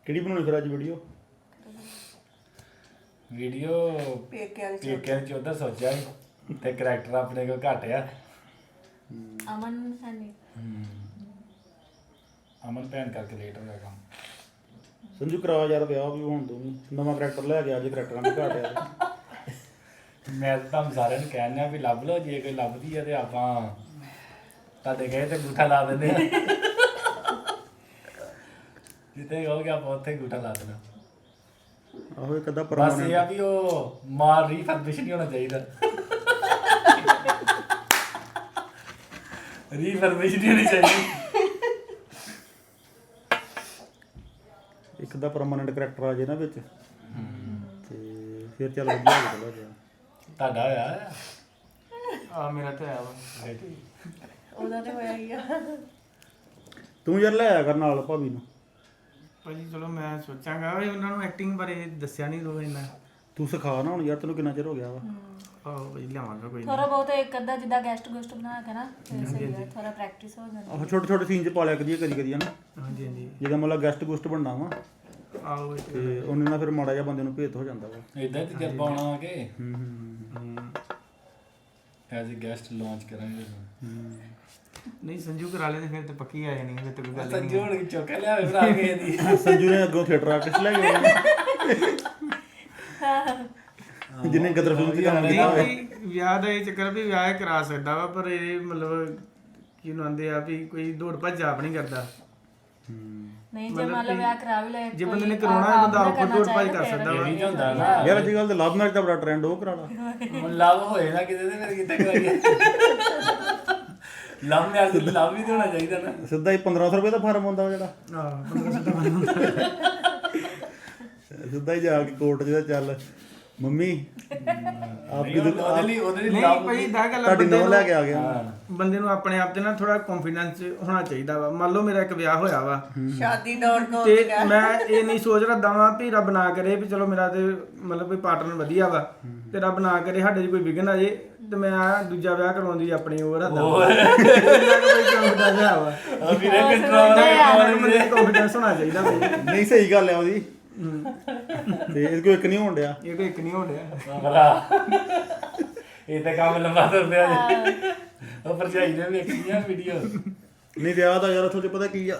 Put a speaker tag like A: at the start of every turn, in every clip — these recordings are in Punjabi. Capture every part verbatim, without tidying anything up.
A: ਕਿਹੜੀ ਬਣਾਉਣੀ ਫਿਰ ਅੱਜ ਵੀਡੀਓ?
B: ਵੀਡੀਓ ਪੇਕਿਆਂ ਚ ਉਧਰ ਸੋਚਿਆ ਸੀ ਤੇ ਕਰੈਕਟਰ ਆਪਣੇ ਕੋਲ ਘੱਟ ਆ।
C: ਅਮਨ ਸਨੀ
B: ਅਮਨ ਭੈਣ ਕਰਕੇ ਲੇਟ ਹੋ ਗਿਆ ਕੰਮ।
A: ਸੰਜੂ ਕਰਾ ਯਾਰ ਵਿਆਹ ਵੀ ਹੁਣ ਤੂੰ ਵੀ ਨਵਾਂ ਕਰੈਕਟਰ ਲੈ ਕੇ ਅੱਜ ਕਰੈਕਟਰਾਂ ਦੇ ਘਾਟ ਆ।
B: ਮੈਂ ਤਾਂ ਤੁਹਾਨੂੰ ਸਾਰਿਆਂ ਨੂੰ ਕਹਿਣ ਡਿਆ ਵੀ ਲੱਭ ਲਓ, ਜੇ ਕੋਈ ਲੱਭਦੀ ਆ ਤੇ ਆਪਾਂ ਤੁਹਾਡੇ ਕਹੇ ਤੇ ਗੂਠਾ ਲਾ ਦਿੰਦੇ ਆ। ਜਿੱਥੇ ਕਹੋਗੇ ਆਪਾਂ ਉੱਥੇ ਗੂਠਾ ਲਾ ਦੇਣਾ।
A: ਆਹੋ ਇੱਕ ਅੱਧਾ
B: ਬਸ
A: ਪਰਮਾਨੈਂਟ
B: ਇਹ ਆ ਵੀ ਉਹ ਮਾਰ ਰੀਫਰਬਿਸ਼ ਨਹੀਂ ਹੋਣਾ ਚਾਹੀਦਾ। ਰੀਫਰਬਿਸ਼ ਨਹੀਂ ਹੋਣੀ ਚਾਹੀਦੀ।
A: ਇੱਕ ਅੱਧਾ ਪਰਮਾਨੈਂਟ ਕਰੈਕਟਰ ਆ ਜੇ ਨਾ ਵਿੱਚ ਤੇ ਫਿਰ ਚੱਲ ਵਧੀਆ ਹੋ ਚਲਾ ਗਿਆ।
B: ਤੁਹਾਡਾ ਹੋਇਆ
D: ਆ ਮੇਰਾ ਤੇ ਆਇਆ ਵਾ।
C: ਉਹਦਾ ਤੇ ਹੋਇਆ ਹੀ ਆ।
A: ਤੂੰ ਯਾਰ ਲੈ ਆਇਆ ਕਰ ਨਾਲ ਭਾਬੀ ਨੂੰ।
D: ਭਾਜੀ ਚਲੋ ਮੈਂ ਸੋਚਾਂਗਾ ਵੀ ਉਹਨਾਂ ਨੂੰ ਐਕਟਿੰਗ ਬਾਰੇ ਦੱਸਿਆ ਨਹੀਂ ਰੋ ਇੰਨਾ।
A: ਤੂੰ ਸਿਖਾ ਨਾ ਹੁਣ ਯਾਰ, ਤੈਨੂੰ ਕਿੰਨਾ ਚਿਰ ਹੋ ਗਿਆ ਵਾ।
D: ਆਹੋ ਭਾਜੀ ਲਿਆਵਾਂਗਾ ਕੋਈ
C: ਥੋੜਾ ਬਹੁਤ ਇੱਕ ਅੱਧਾ ਜਿੱਦਾਂ ਗੈਸਟ ਗੁਸਟ ਬਣਾ ਕੇ ਨਾ ਫਿਰ ਸਹੀ ਹੈ, ਥੋੜਾ ਪ੍ਰੈਕਟਿਸ ਹੋ ਜਾਂਦੀ।
A: ਆਹੋ ਛੋਟੇ ਛੋਟੇ ਸੀਨ ਚ ਪਾ ਲਿਆ ਕਰੀਏ ਕਦੀ ਕਦੀ ਹਨਾ,
D: ਹਾਂਜੀ ਹਾਂਜੀ
A: ਜਿੱਦਾਂ ਮਤਲਬ ਗੈਸਟ ਗੁਸਟ ਬਣਨਾ ਵਾ
D: ਆਹੋ ਇਹ ਤੇ
A: ਤੇ ਉਹਨੇ ਨਾਲ ਫਿਰ ਮਾੜਾ ਜਿਹਾ ਬੰਦੇ ਨੂੰ ਭੇਤ ਹੋ ਜਾਂਦਾ ਵਾ।
B: ਇਦਾਂ ਹੀ ਤਜਰਬਾ ਆਉਣਾ ਆ ਕੇ
A: ਹੂੰ ਹੂੰ
B: ਐਜ਼ ਅ ਗੈਸਟ ਲਾਂਚ ਕਰਾਂਗੇ।
D: ਨਹੀਂ ਸੰਜੂ ਕਰਾ ਲੈ ਤੇ ਫਿਰ ਤੇ ਪੱਕੀ ਆ ਜਾਣੀ ਫਿਰ ਤੇ ਕੋਈ ਗੱਲ
B: ਸੰਜੂ ਹੁਣ ਚੁੱਕ ਲਿਆਵੇ ਭਰਾ ਕੇ ਦੀ।
A: ਸੰਜੂ ਨੇ ਅੱਗੋਂ ਥੀਏਟਰ ਆਰਟਿਸਟ ਲੈ ਕੇ ਆਉਣਾ ਜਿਹਨੇ ਗਦਰ ਫਿਲਮ ਦੀ ਕੰਮ ਕੀਤਾ ਹੋਵੇ।
D: ਨਹੀਂ ਵਿਆਹ ਦਾ ਇਹ ਚੱਕਰ ਵੀ ਵਿਆਹ ਕਰਾ ਸਕਦਾ ਵਾ, ਪਰ ਇਹ ਮਤਲਬ ਕਿਹਨੂੰ ਆਂਦੇ ਆ ਵੀ ਕੋਈ ਦੌੜ ਭੱਜ ਆਪ ਨਹੀਂ ਕਰਦਾ।
C: ਨਹੀਂ ਜੇ ਮੰਨ ਲਓ ਵਿਆਹ ਕਰਾ ਵੀ ਲੈ
D: ਜੇ ਬੰਦੇ ਨੇ ਕਰਾਉਣਾ ਬੰਦਾ ਆਪ ਦੌੜ ਭੱਜ ਕਰ ਸਕਦਾ ਵਾ।
B: ਇਹ ਹੁੰਦਾ ਨਾ
A: ਯਾਰ ਅੱਜ ਕੱਲ੍ਹ ਤੇ ਲਵ ਮੈਰਿਜ ਦਾ ਬੜਾ ਟ੍ਰੈਂਡ, ਉਹ ਕਰਾ ਲਾ।
B: ਹੁਣ ਲਵ ਹੋਏ ਨਾ ਕਿਤੇ ਤੇ ਫਿਰ ਕਿੱਥੇ ਕਰਾਈਏ। ਲਵ ਮੈਰਿਜ ਤੇ ਲਵ ਵੀ ਤੇ ਹੋਣਾ ਚਾਹੀਦਾ ਨਾ।
A: ਸਿੱਧਾ ਹੀ ਪੰਦਰਾਂ ਸੌ ਰੁਪਏ ਦਾ ਫਾਰਮ ਹੁੰਦਾ ਜਿਹੜਾ,
D: ਆਹ ਪੰਦਰਾਂ ਸੌ ਦਾ ਬਣਦਾ।
A: ਸਿੱਧਾ ਹੀ ਜਾ ਕੇ ਕੋਰਟ ਜਿਹੜਾ ਚੱਲ ਮੰਮੀ ਆਪ
B: ਨਹੀਂ, ਉਹਦੇ ਲਈ ਉਹਦੇ ਲਈ
D: ਨਹੀਂ
B: ਲਵ
D: ਭਾਈ ਦਾ ਗੱਲ ਆ,
A: ਤੁਹਾਡੀ
D: ਬੰਦੇ
A: ਨੌ
D: ਨੂੰ
A: ਲੈ ਕੇ ਆ ਗਿਆ।
D: ਬੰਦੇ ਨੂੰ ਆਪਣੇ ਆਪ ਤੇ ਨਾ ਥੋੜਾ ਕੌਨਫੀਡੈਂਸ ਹੋਣਾ ਚਾਹੀਦਾ ਵਾ। ਮੰਨ ਲਓ ਮੇਰਾ ਇੱਕ ਵਿਆਹ ਹੋਇਆ ਵਾ
E: ਸ਼ਾਦੀ ਦੌੜ ਤੋਂ
D: ਤੇ ਮੈਂ ਇਹ ਨਹੀਂ ਸੋਚ ਰੱਖਦਾ ਵਾਂ ਵੀ ਰੱਬ ਨਾ ਕਰੇ ਵੀ ਚਲੋ ਮੇਰਾ ਤੇ ਮਤਲਬ ਕੋਈ ਪਾਰਟਨਰ ਵਧੀਆ ਵਾ ਤੇ ਰੱਬ ਨਾ ਕਰੇ ਸਾਡੇ 'ਚ ਕੋਈ ਵਿਘਨ ਆ ਜੇ ਤੇ ਮੈਂ ਆ ਦੂਜਾ ਵਿਆਹ ਕਰਵਾਉਣ ਦੀ ਆਪਣੀ ਉਹ ਰੱਖਦਾ ਵਾ। ਕੌਨਫੀਡੈਂਸ ਆ ਵਾ,
B: ਆ ਵੀਰੇ ਕੰਟਰੋਲ
D: ਮੈਨੂੰ ਕੌਨਫੀਡੈਂਸ ਹੋਣਾ ਚਾਹੀਦਾ ਭਾਈ।
A: ਨਹੀਂ ਸਹੀ ਗੱਲ ਆ ਉਹਦੀ, ਤੇ ਇਹਦੇ ਕੋਲ ਇੱਕ ਨਹੀਂ ਹੋਣ ਡਿਆ।
D: ਇਹ ਕੋਈ ਇੱਕ ਨਹੀਂ ਹੋ ਰਿਹਾ
B: ਭਰਾ ਇਹ ਤਾਂ ਕੰਮ ਲੰਬਾ ਤੁਰ ਪਿਆ ਜੀ। ਉਹ ਭਰਜਾਈ ਨੇ ਵੇਖੀਆਂ ਵੀਡੀਓ।
A: ਨਹੀਂ ਵਿਆਹ ਦਾ ਯਾਰ ਉੱਥੋਂ ਤੇ ਪਤਾ ਕੀ ਆ,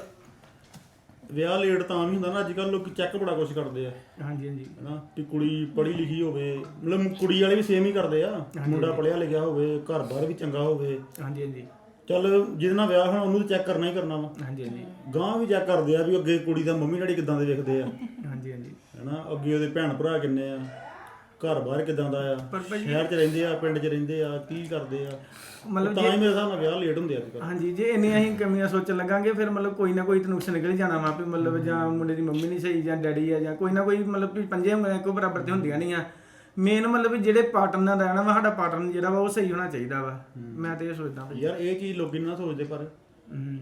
A: ਵਿਆਹ ਲੇਟ ਤਾਂ ਵੀ ਹੁੰਦਾ ਨਾ ਅੱਜ ਕੱਲ੍ਹ ਲੋਕੀ ਚੈੱਕ ਬੜਾ ਕੁਛ ਕਰਦੇ ਆ
D: ਹਾਂਜੀ ਹਾਂਜੀ
A: ਹਨਾ, ਵੀ ਕੁੜੀ ਪੜ੍ਹੀ ਲਿਖੀ ਹੋਵੇ, ਮਤਲਬ ਕੁੜੀ ਵਾਲੇ ਵੀ ਸੇਮ ਹੀ ਕਰਦੇ ਆ, ਮੁੰਡਾ ਪੜ੍ਹਿਆ ਲਿਖਿਆ ਹੋਵੇ, ਘਰ ਬਾਰ ਵੀ ਚੰਗਾ ਹੋਵੇ।
D: ਹਾਂਜੀ ਹਾਂਜੀ
A: ਚੱਲ ਜਿਹਦੇ ਨਾਲ ਵਿਆਹ ਹੋਣਾ ਉਹਨੂੰ ਤਾਂ ਚੈੱਕ ਕਰਨਾ ਹੀ ਕਰਨਾ ਵਾ।
D: ਹਾਂਜੀ ਹਾਂਜੀ
A: ਗਾਂ ਵੀ ਚੈੱਕ ਕਰਦੇ ਆ ਵੀ ਅੱਗੇ ਕੁੜੀ ਦਾ ਮੰਮੀ ਡੈਡੀ ਕਿੱਦਾਂ ਦੇ ਵੇਖਦੇ ਆ
D: ਹਾਂਜੀ ਹਾਂਜੀ
A: ਹਨਾ, ਅੱਗੇ ਉਹਦੇ ਭੈਣ ਭਰਾ ਕਿੰਨੇ ਆ, ਘਰ ਬਾਹਰ ਕਿੱਦਾਂ ਦਾ ਆ,
D: ਪਰ ਭਾਈ
A: ਸ਼ਹਿਰ 'ਚ ਰਹਿੰਦੇ ਆ ਪਿੰਡ 'ਚ ਰਹਿੰਦੇ ਆ, ਕੀ ਕਰਦੇ ਆ,
D: ਮਤਲਬ
A: ਤਾਂ ਹੀ ਮੇਰੇ ਹਿਸਾਬ ਨਾਲ ਵਿਆਹ ਲੇਟ ਹੁੰਦੇ ਅੱਜ ਕੱਲ੍ਹ।
D: ਹਾਂਜੀ ਜੇ ਇੰਨੀਆਂ ਹੀ ਕਮੀਆਂ ਸੋਚਣ ਲੱਗਾਂਗੇ ਫਿਰ ਮਤਲਬ ਕੋਈ ਨਾ ਕੋਈ ਤਾਂ ਨੁਕਸ ਨਿਕਲ ਹੀ ਜਾਣਾ ਵਾ ਵੀ ਮਤਲਬ ਜਾਂ ਮੁੰਡੇ ਦੀ ਮੰਮੀ ਨਹੀਂ ਸਹੀ ਜਾਂ ਡੈਡੀ ਆ ਜਾਂ ਕੋਈ ਨਾ ਕੋਈ ਮਤਲਬ ਵੀ ਪੰਜੇ ਉਂਗਲਾਂ ਇੱਕੋ ਬਰਾਬਰ ਤੇ ਹੁੰਦੀਆਂ ਨਹੀਂ ਆ। ਮੇਨ ਮਤਲਬ ਵੀ ਜਿਹੜੇ ਪਾਰਟਨਰ ਨਾਲ ਰਹਿਣਾ ਵਾ ਸਾਡਾ ਪਾਰਟਨਰ ਜਿਹੜਾ ਵਾ ਉਹ ਸਹੀ ਹੋਣਾ ਚਾਹੀਦਾ ਵਾ। ਮੈਂ ਤੇ ਇਹ ਸੋਚਦਾ ਭਾਈ।
A: ਯਾਰ ਇਹ ਚੀਜ਼ ਲੋਕੀ ਨਾ ਸੋਚਦੇ, ਪਰ
D: ਹੂੰ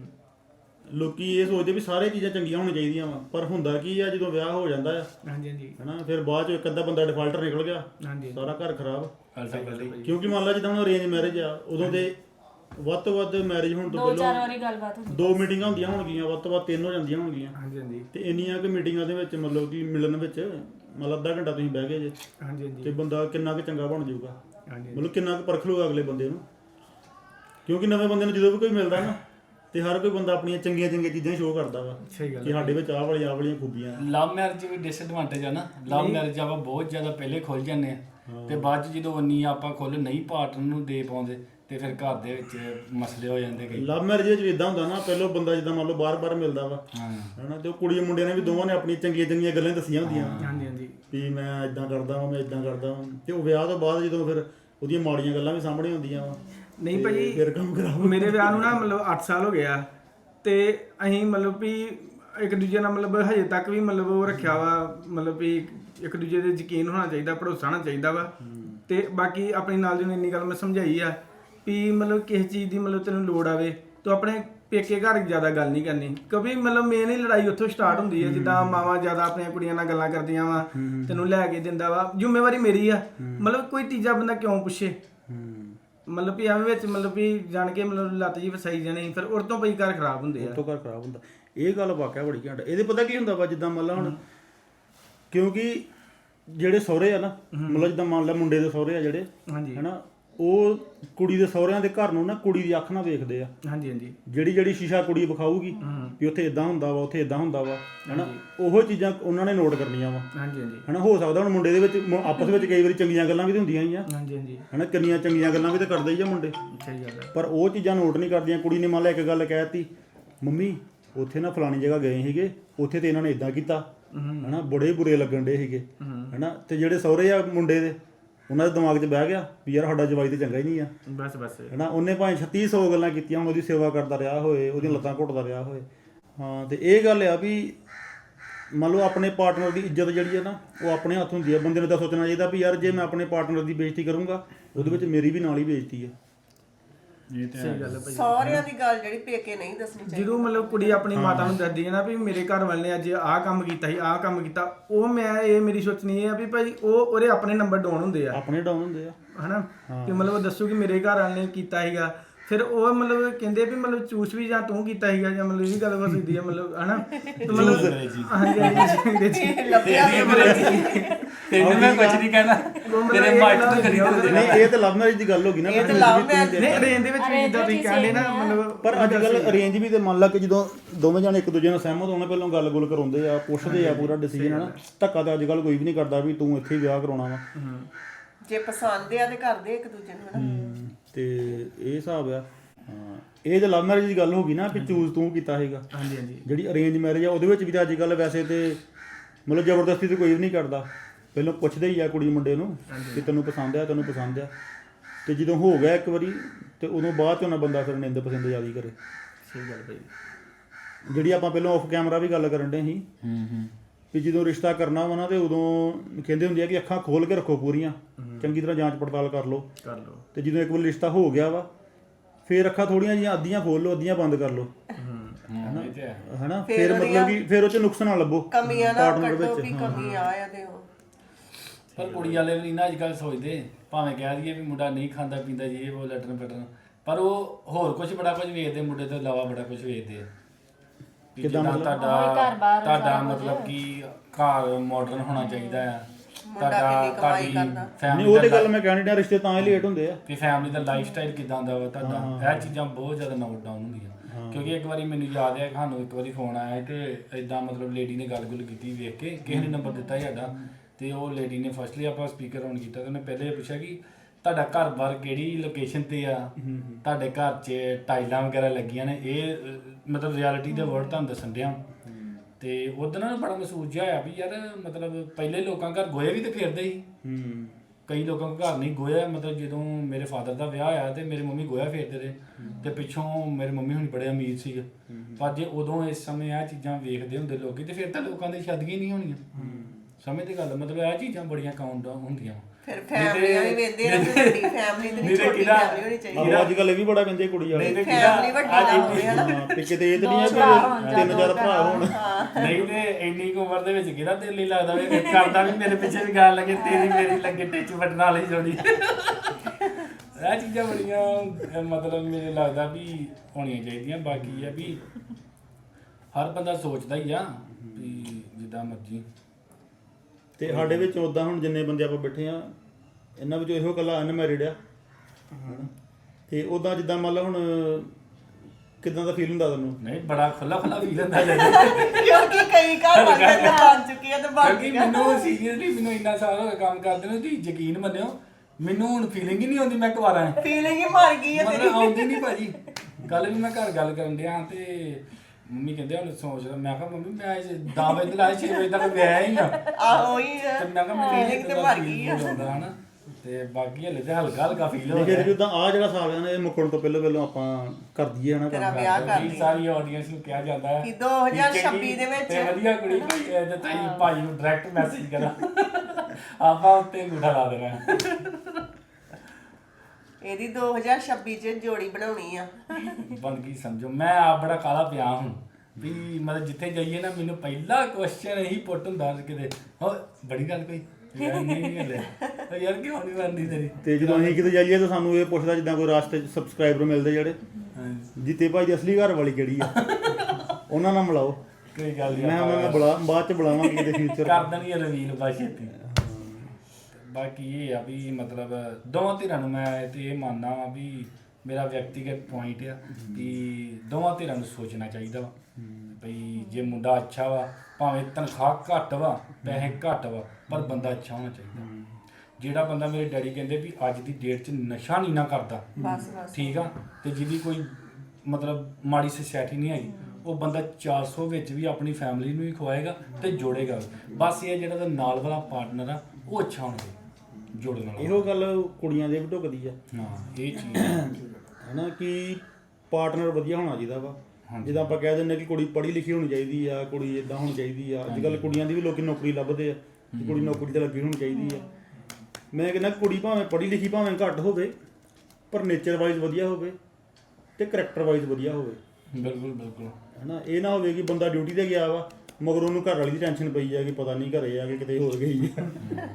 A: ਲੋਕੀ ਇਹ ਸੋਚਦੇ ਵੀ ਸਾਰੇ ਚੀਜ਼ਾਂ ਚੰਗੀਆਂ ਹੋਣੀਆਂ ਚਾਹੀਦੀਆਂ ਵਾ, ਪਰ ਹੁੰਦਾ ਕੀ ਆ ਜਦੋਂ ਵਿਆਹ ਹੋ ਜਾਂਦਾ ਆ
D: ਹਾਂਜੀ ਹਾਂਜੀ
A: ਹਨਾ, ਫਿਰ ਬਾਅਦ 'ਚ ਇੱਕ ਅੱਧਾ ਬੰਦਾ ਡਿਫਾਲਟਰ ਨਿਕਲ ਗਿਆ,
D: ਹਾਂਜੀ
A: ਸਾਰਾ ਘਰ ਖਰਾਬ।
B: ਅਲਟੀਮੇਟਲੀ
A: ਕਿਉਂਕਿ ਮੰਨ ਲਾ ਜਿੱਦਾਂ ਹੁਣ ਅਰੇਂਜ ਮੈਰਿਜ ਆ, ਉਦੋਂ ਤੇ ਵੱਧ ਤੋਂ ਵੱਧ ਮੈਰਿਜ ਹੋਣ ਤੋਂ
C: ਦੋ ਚਾਰ
A: ਪਹਿਲਾਂ
C: ਵਾਰੀ ਗੱਲਬਾਤ ਹੁੰਦੀ।
A: ਦੋ ਮੀਟਿੰਗਾਂ ਹੁੰਦੀਆਂ ਹੋਣਗੀਆਂ, ਵੱਧ ਤੋਂ ਵੱਧ ਤਿੰਨ ਹੋ ਜਾਂਦੀਆਂ ਹੋਣਗੀਆਂ,
D: ਹਾਂਜੀ ਹਾਂਜੀ
A: ਤੇ ਇੰਨੀਆਂ ਕਿ ਮੀਟਿੰਗਾਂ ਦੇ ਵਿੱਚ ਮਤਲਬ ਕਿ ਮਿਲਣ ਵਿੱਚ ਮਤਲਬ ਅੱਧਾ ਘੰਟਾ ਤੁਸੀਂ ਬਹਿ ਗਏ ਜੇ
D: ਹਾਂਜੀ
A: ਤੇ
D: ਹਾਂਜੀ
A: ਬੰਦਾ ਕਿੰਨਾ ਕੁ ਚੰਗਾ ਬਣ ਜਾਊਗਾ,
D: ਹਾਂਜੀ
A: ਮਤਲਬ ਕਿੰਨਾ ਕੁ ਪਰਖ ਲਊਗਾ ਅਗਲੇ ਬੰਦੇ ਨੂੰ। ਕਿਉਂਕਿ ਨਵੇਂ ਬੰਦੇ ਨੂੰ ਜਦੋਂ ਵੀ ਕੋਈ ਮਿਲਦਾ ਨਾ ਤੇ ਹਰ ਕੋਈ ਬੰਦਾ ਆਪਣੀਆਂ ਚੰਗੀਆਂ ਚੰਗੀਆਂ ਚੀਜ਼ਾਂ ਸ਼ੋਅ ਕਰਦਾ ਵਾ
D: ਸਹੀ ਗੱਲ
A: ਕਿ ਸਾਡੇ ਵਿੱਚ ਆਹ ਵਾਲੀਆਂ ਆਹ ਵਾਲੀਆਂ ਖੂਬੀਆਂ।
B: ਲਵ ਮੈਰਿਜ ਵੀ ਡਿਸਐਡਵਾਂਟੇਜ ਆ ਨਾ। ਲਵ ਮੈਰਿਜ ਆਪਾਂ ਬਹੁਤ ਜ਼ਿਆਦਾ ਪਹਿਲੇ ਖੁੱਲ ਜਾਂਦੇ ਆ ਤੇ ਬਾਅਦ ਚ ਜਦੋਂ ਉਨੀ ਆਪਾਂ ਖੁੱਲ ਨਹੀਂ ਪਾਰਟਨਰ ਨੂੰ ਦੇ ਪਾਉਂਦੇ ਤੇ ਫਿਰ ਘਰ ਦੇ ਵਿੱਚ ਮਸਲੇ ਹੋ ਜਾਂਦੇ ਕਈ।
A: ਲਵ ਮੈਰਿਜ ਵਿੱਚ ਇਦਾਂ ਹੁੰਦਾ ਨਾ, ਪਹਿਲਾਂ ਬੰਦਾ ਜਿੱਦਾਂ ਮੰਨ ਲਓ ਬਾਰ-ਬਾਰ ਮਿਲਦਾ ਵਾ
B: ਹਾਂ
A: ਹਨਾ, ਤੇ ਉਹ ਕੁੜੀ ਮੁੰਡਿਆਂ ਨੇ ਵੀ ਦੋਵਾਂ ਨੇ ਆਪਣੀਆਂ ਚੰਗੀਆਂ ਚੰਗੀਆਂ ਗੱਲਾਂ ਦੱਸੀਆਂ ਹੁੰਦੀਆਂ
D: ਹਾਂਜੀ ਹਾਂਜੀ
A: ਵੀ ਮੈਂ ਇਦਾਂ ਕਰਦਾ ਵਾਂ, ਮੈਂ ਇਦਾਂ ਕਰਦਾ ਵਾਂ, ਤੇ ਉਹ ਵਿਆਹ ਤੋਂ ਬਾਅਦ ਜਦੋਂ ਫਿਰ ਉਹਦੀਆਂ ਮਾੜੀਆਂ ਗੱਲਾਂ ਵੀ ਸਾਹਮਣੇ ਹੁੰਦੀਆਂ ਵਾ,
D: ਨਹੀਂ ਭਾਜੀ
A: ਫਿਰ ਕੰਮ ਖਰਾਬ।
D: ਮੇਰੇ ਵਿਆਹ ਨੂੰ ਨਾ ਮਤਲਬ ਅੱਠ ਸਾਲ ਹੋ ਗਿਆ ਤੇ ਅਸੀਂ ਮਤਲਬ ਵੀ ਇੱਕ ਦੂਜੇ ਨਾਲ ਮਤਲਬ ਹਜੇ ਤੱਕ ਵੀ ਮਤਲਬ ਉਹ ਰੱਖਿਆ ਵਾ, ਮਤਲਬ ਵੀ ਇੱਕ ਦੂਜੇ ਦੇ ਯਕੀਨ ਹੋਣਾ ਚਾਹੀਦਾ, ਭਰੋਸਾ ਹੋਣਾ ਚਾਹੀਦਾ ਵਾ। ਤੇ ਬਾਕੀ ਆਪਣੀ ਨਾਲ ਦੀ ਨੂੰ ਇੰਨੀ ਗੱਲ ਮੈਂ ਸਮਝਾਈ ਆ ਵੀ ਮਤਲਬ ਕਿਸੇ ਚੀਜ਼ ਦੀ ਮਤਲਬ ਤੈਨੂੰ ਲੋੜ ਆਵੇ ਤੂੰ ਆਪਣੇ ਪੇਕੇ ਘਰ ਜ਼ਿਆਦਾ ਗੱਲ ਨਹੀਂ ਕਰਨੀ, ਕਿਉਂਕਿ ਮਤਲਬ ਮੇਨ ਹੀ ਲੜਾਈ ਉੱਥੋਂ ਸਟਾਰਟ ਹੁੰਦੀ ਹੈ। ਜਿੱਦਾਂ ਮਾਵਾਂ ਜ਼ਿਆਦਾ ਆਪਣੀਆਂ ਕੁੜੀਆਂ ਨਾਲ ਗੱਲਾਂ ਕਰਦੀਆਂ ਵਾ, ਤੈਨੂੰ ਲੈ ਕੇ ਦਿੰਦਾ ਵਾ, ਜ਼ਿੰਮੇਵਾਰੀ ਮੇਰੀ ਆ। ਮਤਲਬ ਕੋਈ ਤੀਜਾ ਬੰਦਾ ਕਿਉਂ ਪੁੱਛੇ, ਮਤਲਬ ਵੀ ਐਵੇਂ ਵਿੱਚ ਮਤਲਬ ਵੀ ਜਾਣ ਕੇ ਮਤਲਬ ਲੱਤ ਜੀ ਫਸਾਈ ਜਾਣੀ, ਫਿਰ ਉਰ ਤੋਂ ਪਈ ਘਰ ਖਰਾਬ ਹੁੰਦੇ ਆ।
A: ਤੋਂ ਘਰ ਖਰਾਬ ਹੁੰਦਾ। ਇਹ ਗੱਲ ਵਾਕਿਆ ਬੜੀ ਘੈਂਟ। ਇਹਦੇ ਪਤਾ ਕੀ ਹੁੰਦਾ ਵਾ, ਜਿੱਦਾਂ ਮੰਨ ਲਾ ਹੁਣ ਕਿਉਂਕਿ ਜਿਹੜੇ ਸਹੁਰੇ ਆ ਨਾ, ਮਤਲਬ ਜਿੱਦਾਂ ਮੰਨ ਲਾ ਮੁੰਡੇ ਦੇ ਸਹੁਰੇ ਆ ਜਿਹੜੇ
D: ਹਾਂਜੀ
A: ਹਨਾ, ਉਹ ਕੁੜੀ ਦੇ ਸਹੁਰਿਆਂ ਦੇ ਘਰ ਨੂੰ ਨਾ ਕੁੜੀ ਦੀ ਅੱਖ ਨਾਲ ਵੇਖਦੇ ਆ।
D: ਹਾਂਜੀ ਹਾਂਜੀ
A: ਜਿਹੜੀ ਜਿਹੜੀ ਸ਼ੀਸ਼ਾ ਕੁੜੀ ਵਿਖਾਊਗੀ ਵੀ ਉੱਥੇ ਇਦਾਂ ਹੁੰਦਾ ਵਾ, ਉੱਥੇ ਇਦਾਂ ਹੁੰਦਾ ਵਾ ਹਨਾ, ਉਹੋ ਚੀਜ਼ਾਂ ਉਹਨਾਂ ਨੇ ਨੋਟ ਕਰਨੀਆਂ ਵਾ
D: ਹਾਂਜੀ ਹਾਂਜੀ
A: ਹਨਾ। ਹੋ ਸਕਦਾ ਹੁਣ ਮੁੰਡੇ ਦੇ ਵਿੱਚ ਮ- ਆਪਸ ਵਿੱਚ ਕਈ ਵਾਰੀ ਚੰਗੀਆਂ ਗੱਲਾਂ ਵੀ ਤਾਂ ਹੁੰਦੀਆਂ ਹੀ ਆ
D: ਹਾਂਜੀ ਹਾਂਜੀ
A: ਹਨਾ, ਕਿੰਨੀਆਂ ਚੰਗੀਆਂ ਗੱਲਾਂ ਵੀ ਤਾਂ ਕਰਦੇ ਹੀ ਆ ਮੁੰਡੇ,
D: ਸਹੀ ਗੱਲ ਹੈ।
A: ਪਰ ਉਹ ਚੀਜ਼ਾਂ ਨੋਟ ਨਹੀਂ ਕਰਦੀਆਂ। ਕੁੜੀ ਨੇ ਮੰਨ ਲਾ ਇੱਕ ਗੱਲ ਕਹਿਤੀ, ਮੰਮੀ ਉੱਥੇ ਨਾ ਫਲਾਣੀ ਜਗ੍ਹਾ ਗਏ ਸੀਗੇ, ਉੱਥੇ ਤੇ ਇਹਨਾਂ ਨੇ ਇਦਾਂ ਕੀਤਾ ਹਨਾ, ਬੜੇ ਬੁਰੇ ਲੱਗਣ ਡੇ ਸੀਗੇ ਹਨਾ। ਤੇ ਜਿਹੜੇ ਸਹੁਰੇ ਆ ਮੁੰਡੇ ਦੇ, ਉਹਨਾਂ ਦੇ ਦਿਮਾਗ 'ਚ ਬਹਿ ਗਿਆ ਵੀ ਯਾਰ ਸਾਡਾ ਜਵਾਈ ਤੇ ਚੰਗਾ ਹੀ ਨਹੀਂ ਆ
D: ਬਸ ਬਸ
A: ਹਨਾ। ਉਹਨੇ ਭਾਵੇਂ ਛੱਤੀ ਸੌ ਗੱਲਾਂ ਕੀਤੀਆਂ, ਉਹਦੀ ਸੇਵਾ ਕਰਦਾ ਰਿਹਾ ਹੋਏ, ਉਹਦੀਆਂ ਲੱਤਾਂ ਘੁੱਟਦਾ ਰਿਹਾ ਹੋਏ। ਹਾਂ, ਤੇ ਇਹ ਗੱਲ ਆ ਵੀ ਮੰਨ ਲਓ ਆਪਣੇ ਪਾਰਟਨਰ ਦੀ ਇੱਜ਼ਤ ਜਿਹੜੀ ਹੈ ਨਾ, ਉਹ ਆਪਣੇ ਹੱਥ ਹੁੰਦੀ ਆ। ਬੰਦੇ ਨੂੰ ਤਾਂ ਸੋਚਣਾ ਚਾਹੀਦਾ ਵੀ ਯਾਰ ਜੇ ਮੈਂ ਆਪਣੇ ਪਾਰਟਨਰ ਦੀ ਬੇਇੱਜ਼ਤੀ ਕਰੂੰਗਾ, ਉਹਦੇ ਵਿੱਚ ਮੇਰੀ ਵੀ ਨਾਲ ਹੀ ਬੇਇੱਜ਼ਤੀ ਆ।
B: ਇਹ ਤੇ
D: ਸਹੀ ਗੱਲ ਹੈ ਭਾਈ।
E: ਸਹੁਰਿਆਂ ਦੀ ਗੱਲ ਜਿਹੜੀ ਪੇਕੇ ਨਹੀਂ ਦੱਸਣੀ ਚਾਹੀਦੀ।
D: ਜਦੋਂ ਮਤਲਬ ਕੁੜੀ ਆਪਣੀ ਮਾਤਾ ਨੂੰ ਦੱਸਦੀ ਹੈ ਨਾ ਵੀ ਮੇਰੇ ਘਰ ਵਾਲੇ ਨੇ ਅੱਜ ਆਹ ਕੰਮ ਕੀਤਾ ਸੀ, ਆਹ ਕੰਮ ਕੀਤਾ, ਉਹ ਮੈਂ ਇਹ ਮੇਰੀ ਸੋਚਣੀ ਇਹ ਆ ਵੀ ਭਾਈ ਉਹ ਉਹਦੇ ਆਪਣੇ ਨੰਬਰ ਡਾਊਨ ਹੁੰਦੇ ਆ
A: ਆਪਣੇ ਡਾਊਨ ਹੁੰਦੇ ਆ
D: ਹਨਾ। ਕਿ ਮਤਲਬ ਉਹ ਦੱਸੂ ਕਿ ਮੇਰੇ ਘਰ ਵਾਲੇ ਨੇ ਕੀਤਾ ਸੀਗਾ, ਫਿਰ ਉਹ ਮਤਲਬ ਕਹਿੰਦੇ ਵੀ ਮਤਲਬ ਚੂਸ ਵੀ ਜਾਂ ਤੂੰ ਕੀਤਾ ਸੀਗਾ, ਜਾਂ ਮਤਲਬ ਇਹ ਗੱਲ ਹੋ ਸਕਦੀ ਹੈ ਮਤਲਬ ਹਨਾ। ਤੇ ਮਤਲਬ ਹਾਂਜੀ ਹਾਂਜੀ ਅੰਗਰੇਜ਼ੀ
E: ਲੱਭਿਆ
B: ਤੈਨੂੰ ਮੈਂ ਕੁਝ ਨਹੀਂ ਕਹਿਣਾ, ਤੇਰੇ ਮਾਈਕ ਤੋਂ ਖਰੀਦ ਦੇ।
A: ਨਹੀਂ, ਇਹ ਤਾਂ ਲਵ ਮੈਰਿਜ ਦੀ ਗੱਲ ਹੋ ਗਈ ਨਾ।
E: ਇਹ ਤਾਂ ਲਵ ਮੈਰਿਜ
D: ਨਹੀਂ ਰੇਂਜ ਦੇ ਵਿੱਚ ਵੀ ਜਿੱਦਾਂ ਤੁਸੀਂ ਕਹਿੰਦੇ ਨਾ ਮਤਲਬ,
A: ਪਰ ਅੱਜ ਕੱਲ ਅਰੇਂਜ ਵੀ ਤੇ ਮੰਨ ਲਾ ਕਿ ਜਦੋਂ ਦੋਵੇਂ ਜਾਣੇ ਇੱਕ ਦੂਜੇ ਨਾਲ ਸਹਿਮਤ ਹੋਣ, ਪਹਿਲਾਂ ਗੱਲ ਗੁੱਲ ਕਰਾਉਂਦੇ ਆ, ਪੁੱਛਦੇ ਆ ਪੂਰਾ ਡਿਸੀਜਨ ਹੈ ਨਾ। ਧੱਕਾ ਤਾਂ ਅੱਜ ਕੱਲ ਕੋਈ ਵੀ ਨਹੀਂ ਕਰਦਾ ਵੀ ਤੂੰ ਇੱਥੇ ਹੀ ਵਿਆਹ ਕਰਾਉਣਾ ਵਾ।
E: ਜੇ ਪਸੰਦ ਆ ਤੇ ਕਰਦੇ ਇੱਕ ਦੂਜੇ ਨੂੰ ਹਨਾ।
A: ਤੇ ਇਹ ਹਿਸਾਬ ਆ। ਹਾਂ, ਇਹ ਤੇ ਲਵ ਮੈਰਿਜ ਦੀ ਗੱਲ ਹੋ ਗਈ ਨਾ ਵੀ ਚੂਜ਼ ਤੂੰ ਕੀਤਾ ਹੈਗਾ।
D: ਹਾਂਜੀ ਹਾਂਜੀ
A: ਜਿਹੜੀ ਅਰੇਂਜ ਮੈਰਿਜ ਆ ਉਹਦੇ ਵਿੱਚ ਵੀ ਤਾਂ ਅੱਜ ਕੱਲ ਵੈਸੇ ਤੇ ਮਤਲਬ ਜ਼ਬਰਦਸਤੀ ਤੇ ਕੋਈ ਵੀ ਨਹੀਂ ਕਰਦਾ। ਪਹਿਲਾਂ ਪੁੱਛਦੇ ਹੀ ਆ ਕੁੜੀ ਮੁੰਡੇ ਨੂੰ ਕਿ ਤੈਨੂੰ ਪਸੰਦ ਆ, ਤੈਨੂੰ ਪਸੰਦ ਆ, ਤੇ ਜਦੋਂ ਹੋ ਗਿਆ ਇੱਕ ਵਾਰੀ ਤੇ ਉਦੋਂ ਬਾਅਦ ਚ ਨਾ ਬੰਦਾ ਫਿਰ ਨਿੰਦ ਪਸੰਦ ਜ਼ਿਆਦਾ ਕਰੇ।
D: ਸਹੀ ਗੱਲ ਭਾਈ।
A: ਜਿਹੜੀ ਆਪਾਂ ਪਹਿਲਾਂ ਆਫ ਕੈਮਰਾ ਵੀ ਗੱਲ ਕਰਨ ਡੇ ਸੀ
B: ਹੂੰ ਹੂੰ
A: ਵੀ ਜਦੋਂ ਰਿਸ਼ਤਾ ਕਰਨਾ ਵਾ ਨਾ, ਤੇ ਉਦੋਂ ਕਹਿੰਦੇ ਹੁੰਦੇ ਆ ਕਿ ਅੱਖਾਂ ਖੋਲ ਕੇ ਰੱਖੋ ਪੂਰੀਆਂ, ਚੰਗੀ ਤਰ੍ਹਾਂ ਜਾਂਚ ਪੜਤਾਲ ਕਰ ਲਓ।
D: ਕਰ ਲਓ।
A: ਤੇ ਜਦੋਂ ਇੱਕ ਵਾਰ ਰਿਸ਼ਤਾ ਹੋ ਗਿਆ ਵਾ, ਫਿਰ ਅੱਖਾਂ ਥੋੜੀਆਂ ਜਿਹੀਆਂ ਅੱਧੀਆਂ ਖੋਲ ਲਓ, ਅੱਧੀਆਂ ਬੰਦ ਕਰ ਲਓ
B: ਹੂੰ ਇਹ ਤੇ ਹੈ।
A: ਹਨਾ। ਫਿਰ ਮਤਲਬ ਕਿ ਫਿਰ ਉਹ ਚ ਨੁਕਸ ਨਾ ਲੱਭੋ
E: ਕਮੀਆਂ ਨਾ
A: partner
E: ਕੱਢੋ
A: ਵਿੱਚ।
E: ਵੀ ਕਮੀ ਆ ਆ ਤੇ ਉਹ
B: ਪਰ ਕੁੜੀ ਵਾਲੇ ਵੀ ਨਾ ਅੱਜ ਕੱਲ੍ਹ ਸੋਚਦੇ, ਭਾਵੇਂ ਕਹਿ ਦਈਏ ਵੀ ਮੁੰਡਾ ਨਹੀਂ ਖਾਂਦਾ ਪੀਂਦਾ ਜੀ ਇਹ ਉਹ ਲਟਣ ਪਟਣ, ਪਰ ਉਹ ਹੋਰ ਕੁਝ ਬੜਾ ਕੁਝ ਵੇਖਦੇ, ਮੁੰਡੇ ਤੋਂ ਇਲਾਵਾ ਬੜਾ ਕੁਝ ਵੇਖਦੇ ਆ। ਕਿਦਾਂ ਤੁਹਾਡਾ ਤੁਹਾਡਾ ਮਤਲਬ ਕਿ ਘਰ ਮਾਡਰਨ ਹੋਣਾ ਚਾਹੀਦਾ ਆ, ਤੁਹਾਡਾ ਤੁਹਾਡੀ
A: ਨਹੀਂ,
B: ਫੈਮਿਲੀ
A: ਉਹ ਤੇ ਗੱਲ ਮੈਂ ਕਹਿਣੀ ਡਿਆ, ਰਿਸ਼ਤੇ ਤਾਂ ਹੀ ਲੇਟ ਹੁੰਦੇ ਆ
B: ਕਿ ਫੈਮਿਲੀ ਦਾ ਲਾਈਫ ਸਟਾਈਲ ਕਿਦਾਂ ਦਾ ਵਾ ਤੁਹਾਡਾ। ਇਹ ਚੀਜ਼ਾਂ ਬਹੁਤ ਜ਼ਿਆਦਾ ਨੋਟ ਡਾਊਨ ਹੁੰਦੀਆਂ। ਕਿਉਂਕਿ ਇੱਕ ਵਾਰੀ ਮੈਨੂੰ ਯਾਦ ਹੈ, ਸਾਨੂੰ ਇੱਕ ਵਾਰੀ ਫੋਨ ਆਇਆ ਤੇ ਇਦਾਂ ਮਤਲਬ ਲੇਡੀ ਨੇ ਗੱਲ-ਗੁੱਲ ਕੀਤੀ ਵੇਖ ਕੇ, ਕਿਸੇ ਨੇ ਨੰਬਰ ਦਿੱਤਾ ਸਾਡਾ, ਤੇ ਉਹ ਲੇਡੀ ਨੇ ਫਸਟਲੀ ਆਪਾਂ ਸਪੀਕਰ ਔਨ ਕੀਤਾ ਤੇ ਉਹਨੇ ਪਹਿਲੇ ਪੁੱਛਿਆ ਕਿ ਤੁਹਾਡਾ ਘਰ-ਬਾਰ ਕਿਹੜੀ ਲੋਕੇਸ਼ਨ ਤੇ ਆ, ਤੁਹਾਡੇ ਘਰ 'ਚ ਟਾਈਲਾਂ ਵਗੈਰਾ ਲੱਗੀਆਂ ਨੇ। ਇਹ ਮਤਲਬ ਰਿਐਲਿਟੀ ਦੇ ਵਰਡ ਤੁਹਾਨੂੰ ਦੱਸਣ ਡਿਆ। ਤੇ ਉਹਦੇ ਨਾਲ ਬੜਾ ਮਹਿਸੂਸ ਜਿਹਾ ਹੋਇਆ ਵੀ ਯਾਰ ਮਤਲਬ ਪਹਿਲੇ ਲੋਕਾਂ ਘਰ ਗੋਹੇ ਵੀ ਤੇ ਫੇਰਦੇ ਸੀ, ਕਈ ਲੋਕਾਂ ਦੇ ਘਰ ਨਹੀਂ ਗੋਇਆ। ਮਤਲਬ ਜਦੋਂ ਮੇਰੇ ਫਾਦਰ ਦਾ ਵਿਆਹ ਹੋਇਆ ਤੇ ਮੇਰੇ ਮੰਮੀ ਗੋਇਆ ਫੇਰਦੇ ਰਹੇ, ਤੇ ਪਿੱਛੋਂ ਮੇਰੇ ਮੰਮੀ ਹੁਣ ਬੜੇ ਅਮੀਰ ਸੀਗੇ। ਪਰ ਜੇ ਉਦੋਂ ਇਸ ਸਮੇਂ ਇਹ ਚੀਜ਼ਾਂ ਵੇਖਦੇ ਹੁੰਦੇ ਲੋਕੀ, ਤੇ ਫਿਰ ਤਾਂ ਲੋਕਾਂ ਦੀ ਸ਼ਾਦੀਆਂ ਨਹੀਂ ਹੋਣੀਆਂ। ਸਮੇਂ ਦੀ ਗੱਲ ਮਤਲਬ ਇਹ ਚੀਜ਼ਾਂ ਬੜੀਆਂ ਕਾਊਂਟ ਹੁੰਦੀਆਂ।
E: ਫਿਰ ਫੈਮਲੀਆਂ ਵੀ ਵੇਂਦੇ ਆ, ਵੱਡੀ ਫੈਮਲੀ ਤੇ ਨਹੀਂ, ਛੋਟੀ ਫੈਮਲੀ ਹੋਣੀ ਚਾਹੀਦੀ।
A: ਅੱਜ ਕੱਲ ਇਹ ਵੀ ਬੜਾ ਕਹਿੰਦੇ ਕੁੜੀ ਵਾਲੇ
E: ਫੈਮਲੀ ਵੱਡੀ ਨਾ ਹੋਵੇ ਹਨਾ।
A: ਹਾਂ, ਤੇ ਕਿਤੇ ਇਹ ਤਾਂ ਨਹੀਂ ਆ ਕਿ ਤਿੰਨ ਚਾਰ ਭਰਾ ਹੋਣ।
B: ਨਹੀਂ ਤੇ ਇੰਨੀ ਕੁ ਉਮਰ ਦੇ ਵਿੱਚ ਕਿਹੜਾ ਦਿਲ ਨਹੀਂ ਲੱਗਦਾ ਵੀ ਕਰਦਾ ਵੀ ਮੇਰੇ ਪਿੱਛੇ ਵੀ ਗੱਲ ਲੱਗੇ, ਤੇਰੀ ਮੇਰੀ ਲੱਗੇ ਟਿੱਚ ਵੱਟਣ ਵਾਲੀ ਜੋੜੀ। ਇਹ ਚੀਜ਼ਾਂ ਬੜੀਆਂ ਮਤਲਬ ਮੈਨੂੰ ਲੱਗਦਾ ਵੀ ਹੋਣੀਆਂ ਚਾਹੀਦੀਆਂ। ਬਾਕੀ ਆ ਵੀ ਹਰ ਬੰਦਾ ਸੋਚਦਾ ਹੀ ਆ ਵੀ ਜਿੱਦਾਂ ਮਰਜ਼ੀ।
A: ਤੇ ਸਾਡੇ ਵਿੱਚ ਉਦਾਂ ਹੁਣ ਜਿੰਨੇ ਬੰਦੇ ਆਪਾਂ ਬੈਠੇ ਆ, ਇਹਨਾਂ ਵਿੱਚੋਂ ਇਹੋ ਇਕੱਲਾ ਅਨਮੈਰਿਡ ਆ। ਤੇ ਉਦਾਂ ਜਿੱਦਾਂ ਮੰਨ ਲਾ ਹੁਣ ਕਿਦਾਂ ਦਾ ਫੀਲ ਹੁੰਦਾ ਤੁਹਾਨੂੰ?
B: ਨਹੀਂ ਬੜਾ ਖੁੱਲਾ ਖੁੱਲਾ ਫੀਲ ਹੁੰਦਾ ਜੀ,
E: ਕਿਉਂਕਿ ਕਈ ਘਰ ਵਾਲੀਆਂ ਤਾਂ ਬਣ ਚੁੱਕੀਆਂ ਤੇ ਬਣ
B: ਕਿਉਂਕਿ ਮੈਨੂੰ ਸੀਰੀਅਸਲੀ ਮੈਨੂੰ ਇੰਨਾ ਸਾਲ ਹੋ ਗਿਆ ਕੰਮ ਕਰਦੇ ਨੂੰ, ਤੁਸੀਂ ਯਕੀਨ ਮੰਨਿਓ ਮੈਨੂੰ ਹੁਣ ਫੀਲਿੰਗ ਹੀ ਨਹੀਂ ਆਉਂਦੀ ਮੈਂ ਕੁਆਰਾ ਹਾਂ।
E: ਫੀਲਿੰਗ ਹੀ ਮਰ ਗਈ ਹੈ
B: ਮਤਲਬ ਆਉਂਦੀ ਨਹੀਂ ਭਾਜੀ। ਕੱਲ ਵੀ ਮੈਂ ਘਰ ਗੱਲ ਕਰਨ ਡਿਆ ਤੇ ਮੰਮੀ ਕਹਿੰਦੇ ਹੁਣ ਸੋਚਦਾ, ਮੈਂ ਕਿਹਾ ਮੰਮੀ ਮੈਂ ਦਸ ਵਜੇ ਤੋਂ ਲੈ ਛੇ ਵਜੇ ਤੱਕ ਵਿਆਹ ਹੀ ਆ।
E: ਆਹੋ ਹੀ
B: ਤੇ ਮੈਂ ਕਿਹਾ ਮੈਨੂੰ
E: ਫੀਲਿੰਗ ਤੇ ਮਰ ਗਈ ਆ
B: ਹਨਾ। ਤੇ ਬਾਕੀ ਹਲੇ ਤੇ ਹਲਕਾ ਹਲਕਾ ਫੀਲ ਹੋ
A: ਜੇ
B: ਰਿਹਾ।
A: ਜਿੱਦਾਂ ਆ ਜਿਹੜਾ ਸਾਲ ਹੈ ਨਾ, ਇਹ ਮੁੱਕਣ ਤੋਂ ਪਹਿਲਾਂ ਪਹਿਲਾਂ ਆਪਾਂ ਕਰ ਦਈਏ ਹਨਾ
E: ਤੇਰਾ
A: ਕੰਮ।
E: ਵਿਆਹ ਕਰ ਲਈ
B: ਸਾਰੀ ਆਡੀਅנס ਨੂੰ ਕਿਹਾ ਜਾਂਦਾ ਹੈ
E: ਕਿ ਦੋ ਹਜ਼ਾਰ ਛੱਬੀ ਦੇ ਵਿੱਚ
B: ਤੇ ਵਧੀਆ ਕੁੜੀ ਕੋਈ ਹੈ ਤੇ ਤੁਸੀਂ ਭਾਈ ਨੂੰ ਡਾਇਰੈਕਟ ਮੈਸੇਜ ਕਰਾਂ, ਆਪਾਂ ਉੱਤੇ ਅੰਗੂਠਾ ਲਾ ਦੇਣਾ।
E: ਇਹਦੀ ਦੋ ਹਜ਼ਾਰ ਛੱਬੀ ਚ ਜੋੜੀ ਬਣਾਉਣੀ ਆ।
B: ਬਣ ਗਈ ਸਮਝੋ। ਮੈਂ ਆਪ ਬੜਾ ਕਾਲਾ ਪਿਆ ਹੁਣ ਵੀ ਮਤਲਬ ਜਿੱਥੇ ਜਾਈਏ ਨਾ ਮੈਨੂੰ ਪਹਿਲਾ ਕੁਐਸਚਨ ਇਹੀ ਪੁੱਟ ਹੁੰਦਾ ਕਿਤੇ, ਹੋ ਬੜੀ ਗੱਲ ਕੋਈ ਯਾਰ ਨਹੀਂ ਨਹੀਂ ਹਲੇ ਯਾਰ ਕਿਉਂ ਨਹੀਂ ਬਣਦੀ ਤੇਰੀ।
A: ਤੇ ਜਦੋਂ ਅਸੀਂ ਕਿਤੇ ਜਾਈਏ ਤਾਂ ਸਾਨੂੰ ਇਹ ਪੁੱਛਦਾ ਜਿੱਦਾਂ ਕੋਈ ਰਾਸਤੇ 'ਚ ਸਬਸਕ੍ਰਾਈਬਰ ਮਿਲਦੇ ਜਿਹੜੇ, ਜੀਤੇ ਭਾਈ ਦੀ ਅਸਲੀ ਘਰ ਵਾਲੀ ਕਿਹੜੀ ਆ। ਉਹਨਾਂ ਨਾਲ ਮਿਲਾਓ।
B: ਕੋਈ ਗੱਲ ਨਹੀਂ,
A: ਮੈਂ ਉਹਨਾਂ ਨਾਲ ਬੁਲਾ ਬਾਅਦ ਚ ਬੁਲਾਵਾਂਗੇ ਕਿਤੇ ਫਿਊਚਰ
B: ਕਰ ਦੇਣੀ ਹੈ ਰਿਵੀਲ ਬਸ ਛੇਤੀ। ਬਾਕੀ ਇਹ ਆ ਵੀ ਮਤਲਬ ਦੋਵਾਂ ਧਿਰਾਂ ਨੂੰ ਮੈਂ ਤੇ ਇਹ ਮੰਨਦਾ ਵਾਂ ਵੀ ਮੇਰਾ ਵਿਅਕਤੀਗਤ ਪੁਆਇੰਟ ਆ ਵੀ ਦੋਵਾਂ ਧਿਰਾਂ ਨੂੰ ਸੋਚਣਾ ਚਾਹੀਦਾ ਵਾ ਬਈ ਜੇ ਮੁੰਡਾ ਅੱਛਾ ਵਾ ਭਾਵੇਂ ਤਨਖਾਹ ਘੱਟ ਵਾ ਪੈਸੇ ਘੱਟ ਵਾ ਪਰ ਬੰਦਾ ਅੱਛਾ ਹੋਣਾ ਚਾਹੀਦਾ। ਜਿਹੜਾ ਬੰਦਾ ਮੇਰੇ ਡੈਡੀ ਕਹਿੰਦੇ ਵੀ ਅੱਜ ਦੀ ਡੇਟ 'ਚ ਨਸ਼ਾ ਨਹੀਂ ਨਾ ਕਰਦਾ,
E: ਬਸ ਬਸ
B: ਠੀਕ ਆ, ਤੇ ਜਿਹਦੀ ਕੋਈ ਮਤਲਬ ਮਾੜੀ ਸੋਸਾਇਟੀ ਨਹੀਂ ਹੈਗੀ, ਉਹ ਬੰਦਾ ਚਾਰ ਸੌ ਵਿੱਚ ਵੀ ਆਪਣੀ ਫੈਮਿਲੀ ਨੂੰ ਵੀ ਖਵਾਏਗਾ ਤੇ ਜੋੜੇਗਾ। ਬਸ ਇਹ ਜਿਹੜਾ ਉਹਦਾ ਨਾਲ ਵਾਲਾ ਪਾਰਟਨਰ ਆ ਉਹ ਅੱਛਾ ਹੋਣਾ ਚਾਹੀਦਾ ਜੋੜਨ ਵਾਲਾ।
A: ਇਹੋ ਗੱਲ ਕੁੜੀਆਂ ਦੇ ਵੀ ਢੁਕਦੀ ਆ
B: ਹਾਂ ਇਹ ਚੀਜ਼ ਹੈ।
A: ਹਨਾ ਕਿ ਪਾਰਟਨਰ ਵਧੀਆ ਹੋਣਾ ਚਾਹੀਦਾ ਵਾ। ਜਿੱਦਾਂ ਆਪਾਂ ਕਹਿ ਦਿੰਦੇ ਕਿ ਕੁੜੀ ਪੜ੍ਹੀ ਲਿਖੀ ਹੋਣੀ ਚਾਹੀਦੀ ਆ, ਕੁੜੀ ਇਦਾਂ ਹੋਣੀ ਚਾਹੀਦੀ ਆ। ਅੱਜ ਕੱਲ੍ਹ ਕੁੜੀਆਂ ਦੀ ਵੀ ਲੋਕੀ ਨੌਕਰੀ ਲੱਭਦੇ ਆ ਕਿ ਕੁੜੀ ਨੌਕਰੀ ਤੇ ਲੱਗੀ ਹੋਣੀ ਚਾਹੀਦੀ ਆ। ਮੈਂ ਕਹਿੰਦਾ ਕੁੜੀ ਭਾਵੇਂ ਪੜ੍ਹੀ ਲਿਖੀ ਭਾਵੇਂ ਘੱਟ ਹੋਵੇ ਪਰ ਨੇਚਰ ਵਾਈਜ਼ ਵਧੀਆ ਹੋਵੇ ਤੇ ਕਰੈਕਟਰ ਵਾਈਜ਼ ਵਧੀਆ ਹੋਵੇ।
B: ਬਿਲਕੁਲ ਬਿਲਕੁਲ
A: ਹਨਾ ਇਹ ਨਾ ਹੋਵੇ ਕਿ ਬੰਦਾ ਡਿਊਟੀ ਤੇ ਗਿਆ ਵਾ ਮਗਰ ਉਹਨੂੰ ਘਰ ਵਾਲੀ ਦੀ ਟੈਨਸ਼ਨ ਪਈ ਆ ਕਿ ਪਤਾ ਨਹੀਂ ਘਰੇ ਆ ਕਿ ਕਿਤੇ ਹੋਰ ਗਈ ਆ।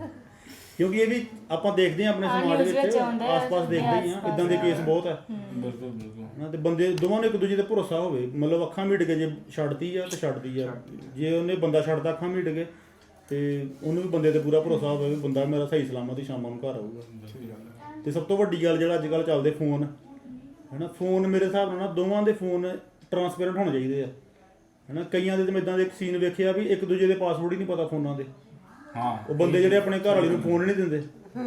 A: ਕਿਉਂਕਿ ਇਹ ਵੀ ਆਪਾਂ ਦੇਖਦੇ ਹਾਂ ਆਪਣੇ ਸਮਾਜ ਵਿੱਚ ਆਸ-ਪਾਸ ਦੇਖਦੇ ਹੀ ਆ ਇਦਾਂ ਦੇ ਕੇਸ ਬਹੁਤ ਆ।
B: ਬਿਲਕੁਲ ਬਿਲਕੁਲ
A: ਨਾ ਤੇ ਬੰਦੇ ਦੋਵਾਂ ਨੂੰ ਇੱਕ ਦੂਜੇ ਤੇ ਭਰੋਸਾ ਹੋਵੇ, ਮਤਲਬ ਅੱਖਾਂ ਮੀਟ ਕੇ ਜੇ ਛੱਡਦੀ ਆ ਤੇ ਛੱਡਦੀ ਆ, ਜੇ ਉਹਨੇ ਬੰਦਾ ਛੱਡਦਾ ਅੱਖਾਂ ਮੀਟ ਕੇ ਤੇ ਉਹਨੂੰ ਵੀ ਬੰਦੇ ਤੇ ਪੂਰਾ ਭਰੋਸਾ ਹੋਵੇ ਵੀ ਬੰਦਾ ਮੇਰਾ ਸਹੀ ਸਲਾਮਤ ਹੀ ਸ਼ਾਮਾਂ ਨੂੰ ਘਰ ਆਊਗਾ। ਤੇ ਸਭ ਤੋਂ ਵੱਡੀ ਗੱਲ ਜਿਹੜਾ ਅੱਜ ਕੱਲ੍ਹ ਚੱਲਦੇ ਫੋਨ ਹੈਨਾ, ਫੋਨ ਮੇਰੇ ਹਿਸਾਬ ਨਾਲ ਨਾ ਦੋਵਾਂ ਦੇ ਫੋਨ ਟਰਾਂਸਪੇਰੈਂਟ ਹੋਣੇ ਚਾਹੀਦੇ ਆ ਹੈਨਾ। ਕਈਆਂ ਦੇ ਮੈਂ ਇਦਾਂ ਦੇ ਇੱਕ ਸੀਨ ਵੇਖਿਆ ਵੀ ਇੱਕ ਦੂਜੇ ਦੇ ਪਾਸਵਰਡ ਹੀ ਨਹੀਂ ਪਤਾ ਫੋਨਾਂ ਦੇ।
B: ਹਾਂ
A: ਉਹ ਬੰਦੇ ਜਿਹੜੇ ਆਪਣੇ ਘਰ ਵਾਲੇ ਨੂੰ ਫੋਨ ਨਹੀਂ ਦਿੰਦੇ।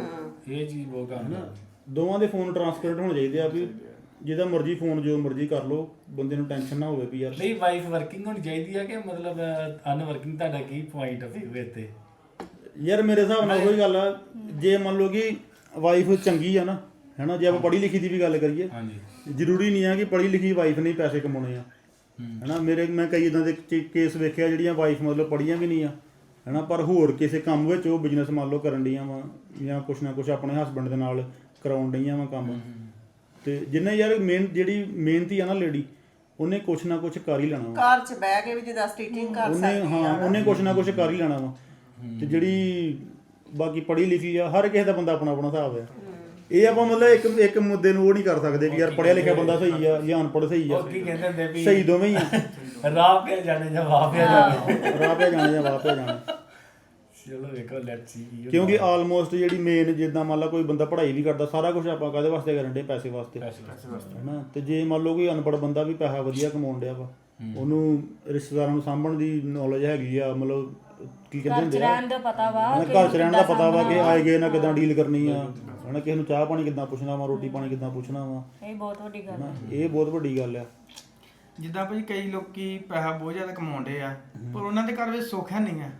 B: ਇਹ ਚੀਜ਼ ਬਹੁਤ ਕਰਨਾ।
A: ਦੋਵਾਂ ਦੇ ਫੋਨ ਟਰਾਂਸਪੇਰੈਂਟ ਹੋਣੇ ਚਾਹੀਦੇ ਆ ਵੀ ਜਿਹਦਾ ਮਰਜ਼ੀ ਫੋਨ ਜੋ ਮਰਜ਼ੀ ਕਰ ਲਓ, ਬੰਦੇ ਨੂੰ ਟੈਨਸ਼ਨ ਨਾ ਹੋਵੇ ਵੀ ਯਾਰ
B: ਨਹੀਂ ਵਾਈਫ ਵਰਕਿੰਗ ਹੋਣੀ ਚਾਹੀਦੀ ਆ ਕਿ ਮਤਲਬ ਅਨਵਰਕਿੰਗ? ਤੁਹਾਡਾ ਕੀ ਪੁਆਇੰਟ ਆ ਫਿਰ ਤੇ?
A: ਯਾਰ ਮੇਰੇ ਹਿਸਾਬ ਨਾਲ ਉਹੀ ਗੱਲ ਆ, ਜੇ ਮੰਨ ਲਓ ਕਿ ਵਾਈਫ ਚੰਗੀ ਆ ਨਾ ਹੈਨਾ, ਜੇ ਆਪਾਂ ਪੜ੍ਹੀ ਲਿਖੀ ਦੀ ਵੀ ਗੱਲ ਕਰੀਏ,
B: ਹਾਂਜੀ
A: ਜ਼ਰੂਰੀ ਨਹੀਂ ਆ ਕਿ ਪੜ੍ਹੀ ਲਿਖੀ ਵਾਈਫ ਨੇ ਪੈਸੇ ਕਮਾਉਣੇ ਆ ਹੈਨਾ। ਮੇਰੇ ਮੈਂ ਕਈ ਇਦਾਂ ਦੇ ਕੇਸ ਵੇਖਿਆ ਜਿਹੜੀਆਂ ਵਾਈਫ ਮਤਲਬ ਪੜ੍ਹੀਆਂ ਵੀ ਨਹੀਂ ਆ ਹੈਨਾ, ਪਰ ਹੋਰ ਕਿਸੇ ਕੰਮ ਵਿੱਚ ਉਹ ਬਿਜ਼ਨਸ ਮੰਨ ਲਓ ਕਰਨ ਡੀਆਂ ਵਾ ਜਾਂ ਕੁਛ ਨਾ ਕੁਛ ਆਪਣੇ ਹਸਬੈਂਡ ਦੇ ਨਾਲ ਕਰਾਉਣ ਡਈਆਂ ਵਾ ਕੰਮ। ਤੇ ਜਿੰਨੇ ਯਾਰ ਮੇਨ ਜਿਹੜੀ ਮਿਹਨਤੀ ਆ ਨਾ ਲੇਡੀ, ਉਹਨੇ ਕੁਛ ਨਾ ਕੁਛ ਕਰ ਹੀ ਲੈਣਾ ਵਾ।
E: ਘਰ 'ਚ ਬਹਿ ਕੇ ਵੀ ਜਿੱਦਾਂ ਸਟਿਚਿੰਗ ਕਰ
A: ਉਹਨੇ
E: ਸਕਦੀ
A: ਹਾਂ
E: ਆ।
A: ਉਹਨੇ ਕੁਛ ਨਾ ਕੁਛ ਕਰ ਹੀ ਲੈਣਾ ਵਾ। ਤੇ ਜਿਹੜੀ ਬਾਕੀ ਪੜ੍ਹੀ ਲਿਖੀ ਆ, ਹਰ ਕਿਸੇ ਦਾ ਬੰਦਾ ਆਪਣਾ ਆਪਣਾ ਹਿਸਾਬ ਆ। ਇਹ ਆਪਾਂ ਮਤਲਬ ਇੱਕ ਇੱਕ ਮੁੱਦੇ ਨੂੰ ਉਹ ਨਹੀਂ ਕਰ ਸਕਦੇ ਕਿ ਯਾਰ ਪੜ੍ਹਿਆ ਲਿਖਿਆ ਬੰਦਾ ਸਹੀ ਆ ਜਾਂ ਅਨਪੜ੍ਹ ਸਹੀ ਆ।
B: ਉਹ ਕੀ ਕਹਿੰਦੇ ਹੁੰਦੇ ਵੀ
A: ਸਹੀ ਦੋਵੇਂ ਹੀ ਆ।
B: ਰਾਹ ਪਿਆ ਜਾਣੇ ਜਾਂ ਵਾਹ ਪਿਆ ਜਾਣੇ।
A: ਰਾਹ ਪਿਆ ਜਾਣਾ ਜਾਂ ਵਾਹ ਪਿਆ ਜਾਣਾ।
B: ਚਲੋ ਵੇਖੋ ਲੈਟਸ ਸੀ।
A: ਕਿਉਂਕਿ ਆਲਮੋਸਟ ਜਿਹੜੀ ਮੇਨ ਜਿੱਦਾਂ ਮੰਨ ਲਾ ਕੋਈ ਬੰਦਾ ਪੜ੍ਹਾਈ ਵੀ ਕਰਦਾ, ਸਾਰਾ ਕੁਝ ਆਪਾਂ ਕਾਹਦੇ ਵਾਸਤੇ ਕਰਨ ਡੇ? ਪੈਸੇ ਵਾਸਤੇ ਹੈਨਾ। ਤੇ ਜੇ ਮੰਨ ਲਓ ਕੋਈ ਅਨਪੜ੍ਹ ਬੰਦਾ ਵੀ ਪੈਸਾ ਵਧੀਆ ਕਮਾਉਣ ਡਿਆ ਵਾ, ਉਹਨੂੰ ਰਿਸ਼ਤੇਦਾਰਾਂ ਨੂੰ ਸਾਂਭਣ ਦੀ ਨੌਲੇਜ ਹੈਗੀ ਆ, ਮਤਲਬ ਕੀ ਕਹਿੰਦੇ ਹੁੰਦੇ ਆ,
C: ਰਹਿਣ ਦਾ ਪਤਾ ਵਾ
A: ਹਨਾ, ਘਰ 'ਚ ਰਹਿਣ ਦਾ ਪਤਾ ਵਾ ਕਿ ਆਏ ਗਏ ਨਾਲ ਕਿੱਦਾਂ ਡੀਲ ਕਰਨੀ ਆ ਹਨਾ, ਕਿਸੇ ਨੂੰ ਚਾਹ ਪਾਣੀ ਕਿੱਦਾਂ ਪੁੱਛਣਾ ਵਾ, ਰੋਟੀ ਪਾਣੀ ਕਿੱਦਾਂ ਪੁੱਛਣਾ ਵਾ।
C: ਇਹ ਬਹੁਤ ਵੱਡੀ ਗੱਲ
A: ਹਨਾ
C: ਹੈ।
A: ਇਹ ਬਹੁਤ ਵੱਡੀ ਗੱਲ ਆ।
D: ਜਿੱਦਾਂ ਭਾਈ ਕਈ ਲੋਕੀ ਪੈਸਾ ਬਹੁਤ ਜ਼ਿਆਦਾ ਕਮਾਉਂਦੇ ਆ ਪਰ ਉਹਨਾਂ ਦੇ ਘਰ ਵਿੱਚ ਸੁੱਖ ਹੈ ਨਹੀਂ ਆ।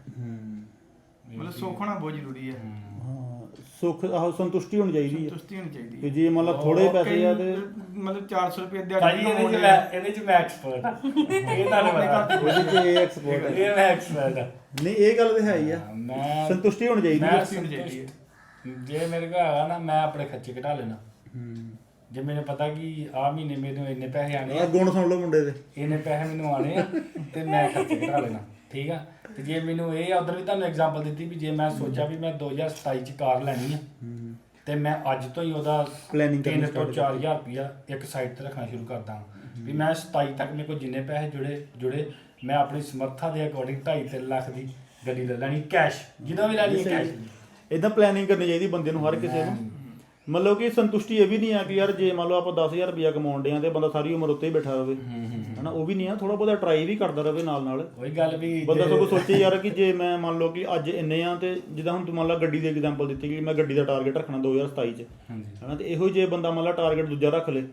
D: ਮਤਲਬ ਸੁੱਖ ਹੋਣਾ ਬਹੁਤ ਜ਼ਰੂਰੀ ਹੈ।
A: ਹਾਂ ਸੁੱਖ ਆਹੋ ਸੰਤੁਸ਼ਟੀ ਹੋਣੀ ਚਾਹੀਦੀ ਹੈ
D: ਸੰਤੁਸ਼ਟੀ ਹੋਣੀ ਚਾਹੀਦੀ
A: ਕਿ
D: ਹੈ।
A: ਜੇ ਮੰਨ ਲਾ ਥੋੜੇ ਪੈਸੇ ਆ ਤੇ
D: ਮਤਲਬ ਚਾਰ ਸੌ ਰੁਪਏ
B: ਭਾਈ
D: ਦਿਹਾੜੀ
B: ਇਹਦੇ ਚ ਮੈਂ ਇਹਦੇ ਚ ਮੈਂ ਐਕਸਪਰਟ ਆ। ਇਹ ਤੁਹਾਨੂੰ ਪਤਾ
A: ਉਹਦੇ 'ਚ ਇਹ ਐਕਸਪੋਰਟ ਹੈ।
B: ਇਹ ਮੈਂ ਐਕਸਪਰਟ ਆ।
A: ਨਹੀਂ ਇਹ ਗੱਲ ਤੇ ਹੈ ਹੀ ਆ,
B: ਮੈਂ
A: ਸੰਤੁਸ਼ਟੀ ਹੋਣੀ ਚਾਹੀਦੀ
B: ਮੈਂ
A: ਹੈ।
B: ਸੰਤੁਸ਼ਟ- ਜੇ ਮੇਰੇ ਕੋਲ ਹੈਗਾ ਨਾ ਮੈਂ ਆਪਣੇ ਖਰਚੇ ਘਟਾ ਲੈਣਾ। ਜੇ ਮੈਨੂੰ ਪਤਾ ਕਿ ਆਹ ਮਹੀਨੇ ਮੈਨੂੰ ਇੰਨੇ ਪੈਸੇ ਆਣੇ
A: ਆ
B: ਆ,
A: ਗੁਣ ਸੁਣ ਲਓ ਮੁੰਡੇ ਦੇ।
B: ਇੰਨੇ ਪੈਸੇ ਮੈਨੂੰ ਆਣੇ ਆ ਤੇ ਮੈਂ ਖਰਚੇ ਘਟਾ ਲੈਣਾ, ਠੀਕ ਆ। ਤੇ ਜੇ ਮੈਨੂੰ ਇਹ ਉਧਰ ਵੀ ਤੁਹਾਨੂੰ ਐਗਜ਼ਾਮਪਲ ਦਿੱਤੀ ਵੀ ਜੇ ਮੈਂ ਸੋਚਿਆ ਵੀ ਮੈਂ ਦੋ ਹਜ਼ਾਰ ਸਤਾਈ ਚ ਕਾਰ ਲੈਣੀ ਆ ਤੇ ਮੈਂ ਅੱਜ ਤੋਂ ਹੀ ਉਹਦਾ
A: Planning ਕਰਨੀ
B: ਤਿੰਨ ਤੋਂ
A: start
B: ਚਾਰ ਹਜ਼ਾਰ ਰੁਪਇਆ ਇੱਕ ਸਾਈਡ ਤੇ ਰੱਖਣਾ ਸ਼ੁਰੂ ਕਰਦਾ ਵੀ ਮੈਂ ਸਤਾਈ ਤੱਕ ਮੇਰੇ ਕੋਲ ਜਿੰਨੇ ਪੈਸੇ ਜੁੜੇ ਜੁੜੇ ਮੈਂ ਆਪਣੀ ਸਮਰੱਥਾ ਦੇ ਅਕੋਰਡਿੰਗ ਢਾਈ ਤਿੰਨ ਲੱਖ ਦੀ ਗੱਡੀ ਲੈ ਲੈਣੀ ਕੈਸ਼, ਜਦੋਂ ਵੀ ਲੈਣੀ ਕੈਸ਼।
A: ਇਦਾਂ ਪਲੈਨਿੰਗ ਕਰਨੀ ਚਾਹੀਦੀ ਬੰਦੇ ਨੂੰ, ਹਰ ਕਿਸੇ ਨੂੰ। ਮਤਲਬ ਕਿ ਸੰਤੁਸ਼ਟੀ ਇਹ ਵੀ ਨਹੀਂ ਆ ਕਿ ਯਾਰ ਜੇ ਮੰਨ ਲਓ ਆਪਾਂ ਦਸ ਹਜ਼ਾਰ ਰੁਪਇਆ ਕਮਾਉਣ ਡਿਆਂ ਤੇ ਬੰਦਾ ਸਾਰੀ ਉਮਰ ਉੱਤੇ ਹੀ ਬੈਠਾ ਰਵੇ ਹਨਾ, ਉਹ ਵੀ ਨਹੀਂ ਆ। ਥੋੜਾ ਬਹੁਤਾ ਟਰਾਈ ਵੀ ਕਰਦਾ ਰਵੇ ਨਾਲ ਨਾਲ।
B: ਉਹੀ ਗੱਲ ਵੀ
A: ਬੰਦਾ ਸਗੋਂ ਸੋਚੇ ਯਾਰ ਕਿ ਜੇ ਮੈਂ ਮੰਨ ਲਓ ਕਿ ਅੱਜ ਇੰਨੇ ਆ ਤੇ ਜਿੱਦਾਂ ਹੁਣ ਤੂੰ ਮੰਨ ਲਾ ਗੱਡੀ ਦੀ ਐਗਜ਼ਾਮਪਲ ਦਿੱਤੀ ਕਿ ਮੈਂ ਗੱਡੀ ਦਾ ਟਾਰਗੇਟ ਰੱਖਣਾ ਦੋ ਹਜ਼ਾਰ ਸਤਾਈ ਚ ਹਨਾ, ਤੇ ਇਹੋ ਜੇ ਬੰਦਾ ਮੰਨ ਲਾ ਟਾਰਗੇਟ ਦੂਜਾ ਰੱਖ ਲੇ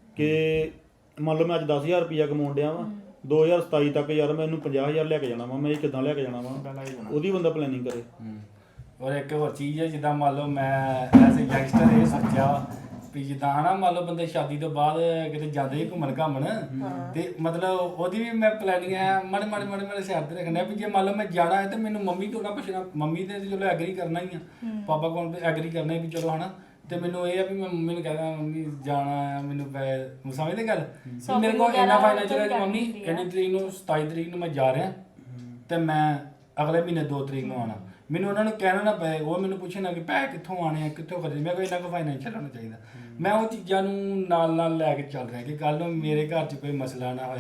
A: ਕਿ ਮੰਨ ਲਓ ਮੈਂ ਅੱਜ ਦਸ ਹਜ਼ਾਰ ਰੁਪਇਆ ਕਮਾਉਣ ਡਿਆ ਵਾਂ, ਦੋ ਹਜ਼ਾਰ ਸਤਾਈ ਤੱਕ ਯਾਰ ਮੈਂ ਇਹਨੂੰ ਪੰਜਾਹ ਹਜ਼ਾਰ ਲੈ ਕੇ ਜਾਣਾ ਵਾ, ਮੈਂ ਇਹ ਕਿੱਦਾਂ ਲੈ ਕੇ ਜਾਣਾ ਵਾ, ਉਹਦੀ ਬੰਦਾ ਪਲੈਨਿੰਗ ਕਰੇ।
B: ਔਰ ਇੱਕ ਹੋਰ ਚੀਜ਼ ਹੈ, ਜਿੱਦਾਂ ਮੰਨ ਲਓ ਮੈਂ ਐਜ਼ ਅ ਯੰਗਸਟਰ ਇਹ ਸੋਚਿਆ ਵੀ ਜਿੱਦਾਂ ਹਨਾ ਮੰਨ ਲਓ ਬੰਦੇ ਸ਼ਾਦੀ ਤੋਂ ਬਾਅਦ ਕਿਤੇ ਜਾਂਦੇ ਹੀ ਘੁੰਮਣ ਘਾਮਣ ਤੇ ਮਤਲਬ ਉਹਦੀ ਵੀ ਮੈਂ ਪਲੈਨਿੰਗ ਹੈ ਮਾੜੇ ਮਾੜੇ ਮਾੜੇ ਮਾੜੇ ਸਿਰ ਤੇ ਰੱਖਣਾ ਵੀ ਜੇ ਮੰਨ ਲਓ ਮੈਂ ਜਾਣਾ ਹੈ ਤੇ ਮੈਨੂੰ ਮੰਮੀ ਤੋਂ ਨਾ ਪੁੱਛਣਾ, ਮੰਮੀ ਤੇ ਚਲੋ ਐਗਰੀ ਕਰਨਾ ਹੀ ਆ, ਪਾਪਾ ਕੋਲ ਐਗਰੀ ਕਰਨਾ ਹੀ ਵੀ ਚਲੋ ਹਨਾ। ਤੇ ਮੈਨੂੰ ਇਹ ਆ ਵੀ ਮੈਂ ਮੰਮੀ ਨੂੰ ਕਹਿੰਦਾ ਮੰਮੀ ਜਾਣਾ ਆ ਮੈਨੂੰ ਪੈ ਸਮਝਦੇ ਗੱਲ ਵੀ ਮੇਰੇ ਕੋਲ ਇੰਨਾ ਫਾਈਨੈਂਸ਼ੀਅਲ ਹੈ ਕਿ ਮੰਮੀ ਇੰਨੀ ਤਰੀਕ ਨੂੰ ਸਤਾਈ ਤਰੀਕ ਨੂੰ ਮੈਂ ਜਾ ਰਿਹਾ ਤੇ ਮੈਂ ਅਗਲੇ ਮਹੀਨੇ ਦੋ ਤਰੀਕ ਨੂੰ ਆਉਣਾ। ਮੈਨੂੰ ਉਹਨਾਂ ਨੂੰ ਕਹਿਣਾ ਨਾ ਪਏ, ਉਹ ਮੈਨੂੰ ਪੁੱਛਣਾ ਕਿ ਪੈਸੇ ਕਿੱਥੋਂ ਆਣੇ ਆ ਕਿੱਥੋਂ ਖਰਚੇ, ਮੈਂ ਕੋਈ ਇੰਨਾ ਕੁ ਫਾਈਨੈਂਸ਼ੀਅਲ ਹੋਣਾ ਚਾਹੀਦਾ। ਮੈਂ ਉਹ ਚੀਜ਼ਾਂ ਨੂੰ ਨਾਲ ਨਾਲ ਲੈ ਕੇ ਚੱਲ ਰਿਹਾ ਕਿ ਕੱਲ੍ਹ ਨੂੰ ਮੇਰੇ ਘਰ 'ਚ ਕੋਈ ਮਸਲਾ ਨਾ ਹੋਏ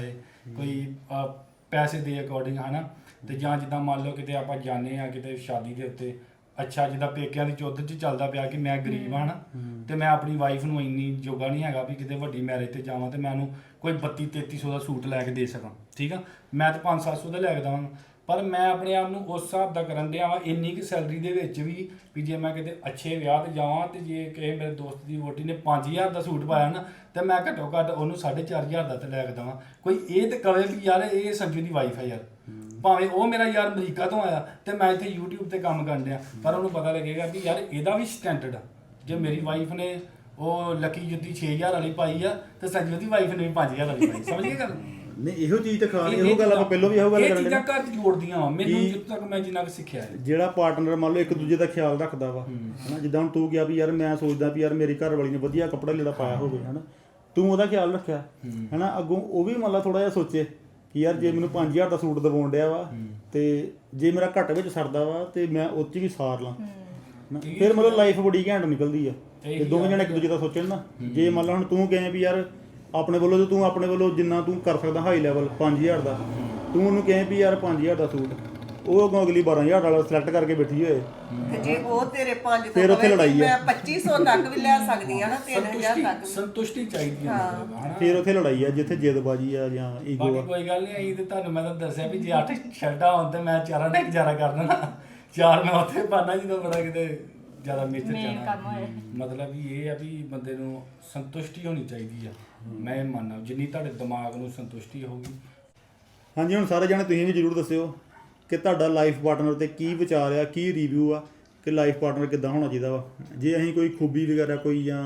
B: ਕੋਈ ਅਹ, ਪੈਸੇ ਦੇ ਅਕੋਰਡਿੰਗ ਹਨਾ ਤੇ ਜਾਂ ਜਿੱਦਾਂ ਮੰਨ ਲਓ ਕਿਤੇ ਆਪਾਂ ਜਾਂਦੇ ਆ ਕਿਤੇ ਸ਼ਾਦੀ ਦੇ ਉੱਤੇ ਅੱਛਾ ਜਿੱਦਾਂ ਪੇਕਿਆਂ ਦੀ ਚੌਧਰ 'ਚ ਚੱਲਦਾ ਪਿਆ ਕਿ ਮੈਂ ਗਰੀਬ ਹਾਂ ਨਾ ਤੇ ਮੈਂ ਆਪਣੀ ਵਾਈਫ ਨੂੰ ਇੰਨੀ ਜੋਗਾ ਨਹੀਂ ਹੈਗਾ ਵੀ ਕਿਤੇ ਵੱਡੀ ਮੈਰਿਜ ਤੇ ਜਾਵਾਂ ਤੇ ਮੈਂ ਉਹਨੂੰ ਕੋਈ ਬੱਤੀ ਤੇਤੀ ਸੌ ਦਾ ਸੂਟ ਲੈ ਕੇ ਦੇ ਸਕਾਂ ਠੀਕ ਆ ਮੈਂ ਤਾਂ ਪੰਜ ਸੱਤ ਸੌ ਦਾ ਲੈ ਕੇ ਦੇਵਾਂਗਾ ਪਰ ਮੈਂ ਆਪਣੇ ਆਪ ਨੂੰ ਉਸ ਹਿਸਾਬ ਦਾ ਕਰਨ ਡਿਆ ਵਾਂ ਇੰਨੀ ਕੁ ਸੈਲਰੀ ਦੇ ਵਿੱਚ ਵੀ ਵੀ ਜੇ ਮੈਂ ਕਿਤੇ ਅੱਛੇ ਵਿਆਹ ਤੇ ਜਾਵਾਂ ਤੇ ਜੇ ਕਿਸੇ ਮੇਰੇ ਦੋਸਤ ਦੀ ਵੋਟੀ ਨੇ ਪੰਜ ਹਜ਼ਾਰ ਦਾ ਸੂਟ ਪਾਇਆ ਨਾ ਤੇ ਮੈਂ ਘੱਟੋ ਘੱਟ ਉਹਨੂੰ ਸਾਢੇ ਚਾਰ ਹਜ਼ਾਰ ਦਾ ਤੇ ਲੈ ਕੇ ਦੇਵਾਂ ਕੋਈ ਇਹ ਤੇ ਕਵੇ ਵੀ ਯਾਰ ਇਹ ਸੰਜੂ ਦੀ ਵਾਈਫ ਹੈ ਯਾਰ ਭਾਵੇਂ ਉਹ ਮੇਰਾ ਯਾਰ ਅਮਰੀਕਾ ਤੋਂ ਆਇਆ ਤੇ ਮੈਂ ਇੱਥੇ YouTube ਤੇ ਕੰਮ ਕਰਨ ਡਿਆ ਪਰ ਉਹਨੂੰ ਪਤਾ ਲੱਗੇਗਾ ਵੀ ਯਾਰ ਇਹਦਾ ਵੀ ਸਟੈਂਡਰਡ ਆ ਜੇ ਮੇਰੀ ਵਾਈਫ ਨੇ ਉਹ ਲੱਕੀ ਜੁੱਤੀ ਛੇ ਹਜ਼ਾਰ ਵਾਲੀ ਪਾਈ ਆ ਤੇ ਸੰਜੂ ਦੀ ਵਾਈਫ ਨੇ ਵੀ ਪੰਜ ਹਜ਼ਾਰ ਵਾਲੀ ਪਾਈ ਸਮਝ ਗਏ ਗੱਲ
A: ਨਹੀਂ ਇਹੋ ਚੀਜ਼ ਤੇ ਖਾਸ ਇਹੋ ਗੱਲ ਆਪਾਂ ਪਹਿਲਾਂ ਵੀ ਇਹੋ ਗੱਲ
B: ਇਹ
A: ਕਰਨ
B: ਚੀਜ਼ਾਂ
A: ਦੇ
B: ਘਰ 'ਚ ਜੋੜਦੀਆਂ ਵਾ ਮੈਨੂੰ ਜਿੱਥੋਂ ਤੱਕ ਮੈਂ ਜਿੰਨਾ ਕੁ ਸਿੱਖਿਆ ਹੈ
A: ਜਿਹੜਾ ਪਾਰਟਨਰ ਮੰਨ ਲਓ ਇੱਕ ਦੂਜੇ ਦਾ ਖਿਆਲ ਰੱਖਦਾ ਵਾ ਹਨਾ ਜਿੱਦਾਂ ਹੁਣ ਤੂੰ ਕਿਹਾ ਵੀ ਯਾਰ ਮੈਂ ਸੋਚਦਾ ਵੀ ਯਾਰ ਮੇਰੀ ਘਰ ਵਾਲੀ ਨੇ ਵਧੀਆ ਕੱਪੜਾ ਲੀੜਾ ਪਾਇਆ ਹੋਵੇ ਹਨਾ ਤੂੰ ਉਹਦਾ ਖਿਆਲ ਰੱਖਿਆ ਹਨਾ ਅੱਗੋਂ ਉਹ ਵੀ ਮੰਨ ਲਾ ਥੋੜਾ ਜਿਹਾ ਸੋਚੇ ਕਿ ਯਾਰ ਜੇ ਮੈਨੂੰ ਪੰਜ ਹਜ਼ਾਰ ਦਾ ਸੂਟ ਦਿਵਾਉਣ ਡਿਆ ਵਾ ਤੇ ਜੇ ਮੇਰਾ ਘੱਟ ਵਿੱਚ ਸਰਦਾ ਵਾ ਤੇ ਮੈਂ ਉਹ 'ਚ ਵੀ ਸਾਰ ਲਾਂ ਫਿਰ ਮਤਲਬ ਲਾਈਫ ਬੜੀ ਘੈਂਟ ਨਿਕਲਦੀ ਆ ਤੇ ਦੋਵੇਂ ਜਣੇ ਇੱਕ ਦੂਜੇ ਦਾ ਸੋਚਣ ਨਾ ਜੇ ਮੰਨ ਲਾ ਹੁਣ ਤੂੰ ਕਹੇ ਵੀ ਯਾਰ ਆਪਣੇ ਵੱਲੋਂ ਤੂੰ ਆਪਣੇ ਵੱਲੋਂ ਜਿੰਨਾ ਤੂੰ ਕਰ ਸਕਦਾ ਹਾਈ ਲੈਵਲ ਪੰਜ ਹਜ਼ਾਰ ਦਾ ਤੂੰ ਉਹਨੂੰ ਕਹੇ ਵੀ ਯਾਰ ਪੰਜ ਹਜ਼ਾਰ ਦਾ ਸੂਟ ਉਹ ਅੱਗੋਂ ਅਗਲੀ ਬਾਰਾਂ ਹਜ਼ਾਰ ਵਾਲਾ ਸਿਲੈਕਟ ਕਰਕੇ ਬੈਠੀ ਹੋਏ
E: ਤੇ ਜੇ ਉਹ ਤੇਰੇ ਪੰਜ ਤੋਂ
A: ਫਿਰ ਉੱਥੇ
E: ਕਵੇ
A: ਲੜਾਈ
E: ਕਿ
A: ਆ।
E: ਮੈਂ ਪੱਚੀ ਸੌ ਤੱਕ ਵੀ ਲੈ ਸਕਦੀ ਆ ਨਾ ਤਿੰਨ ਹਜ਼ਾਰ
B: ਸੰਤੁਸ਼ਟੀ
E: ਤੱਕ ਵੀ।
B: ਸੰਤੁਸ਼ਟੀ ਚਾਹੀਦੀ ਹੈ ਮਤਲਬ ਹਨਾ
A: ਫਿਰ ਉੱਥੇ ਲੜਾਈ ਆ ਜਿੱਥੇ ਜਿੱਦਬਾਜੀ ਆ ਜਾਂ ਈਗੋ
B: ਬਾਕੀ
A: ਆ
B: ਕੋਈ ਗੱਲ ਨਹੀਂ ਆਈ ਤੇ ਤੁਹਾਨੂੰ ਮੈਂ ਤਾਂ ਦੱਸਿਆ ਵੀ ਜੇ ਅੱਠ ਸ਼ਰਟਾਂ ਹੋਣ ਤੇ ਮੈਂ ਚਾਰਾਂ ਦਾ ਗੁਜ਼ਾਰਾ ਕਰ ਦੇਣਾ ਚਾਰ ਮੈਂ ਉੱਥੇ ਪਾਣਾ ਜਦੋਂ ਬੜਾ ਕਿਤੇ ਜ਼ਿਆਦਾ ਮੇਚਰ
C: ਮੇਨ ਕੰਮ
B: ਚਾਹਣਾ
C: ਹੋਏ
B: ਮਤਲਬ ਵੀ ਇਹ ਆ ਵੀ ਬੰਦੇ ਨੂੰ ਸੰਤੁਸ਼ਟੀ ਹੋਣੀ ਚਾਹੀਦੀ ਆ ਮੈਂ ਇਹ ਮੰਨਦਾ ਜਿੰਨੀ ਤੁਹਾਡੇ ਦਿਮਾਗ ਨੂੰ ਸੰਤੁਸ਼ਟੀ ਹੋਊਗੀ
A: ਹਾਂਜੀ ਹੁਣ ਸਾਰੇ ਜਾਣੇ ਤੁਸੀਂ ਵੀ ਜਰੂਰ ਦੱਸਿਓ ਕਿ ਤੁਹਾਡਾ ਲਾਈਫ ਪਾਰਟਨਰ ਤੇ ਕੀ ਵਿਚਾਰ ਆ ਕੀ ਰਿਵਿਊ ਆ ਕਿ ਲਾਈਫ ਪਾਰਟਨਰ ਕਿੱਦਾਂ ਹੋਣਾ ਚਾਹੀਦਾ ਵਾ ਜੇ ਅਸੀਂ ਕੋਈ ਖੂਬੀ ਵਗੈਰਾ ਕੋਈ ਜਾਂ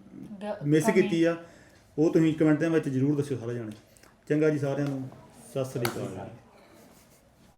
A: ਮਿਸ ਕੀਤੀ ਆ ਉਹ ਤੁਸੀਂ ਕਮੈਂਟ ਦੇ ਵਿੱਚ ਜਰੂਰ ਦੱਸਿਓ ਸਾਰੇ ਜਾਣੇ ਚੰਗਾ ਜੀ ਸਾਰਿਆਂ ਨੂੰ ਸਤਿ ਸ੍ਰੀ ਅਕਾਲ।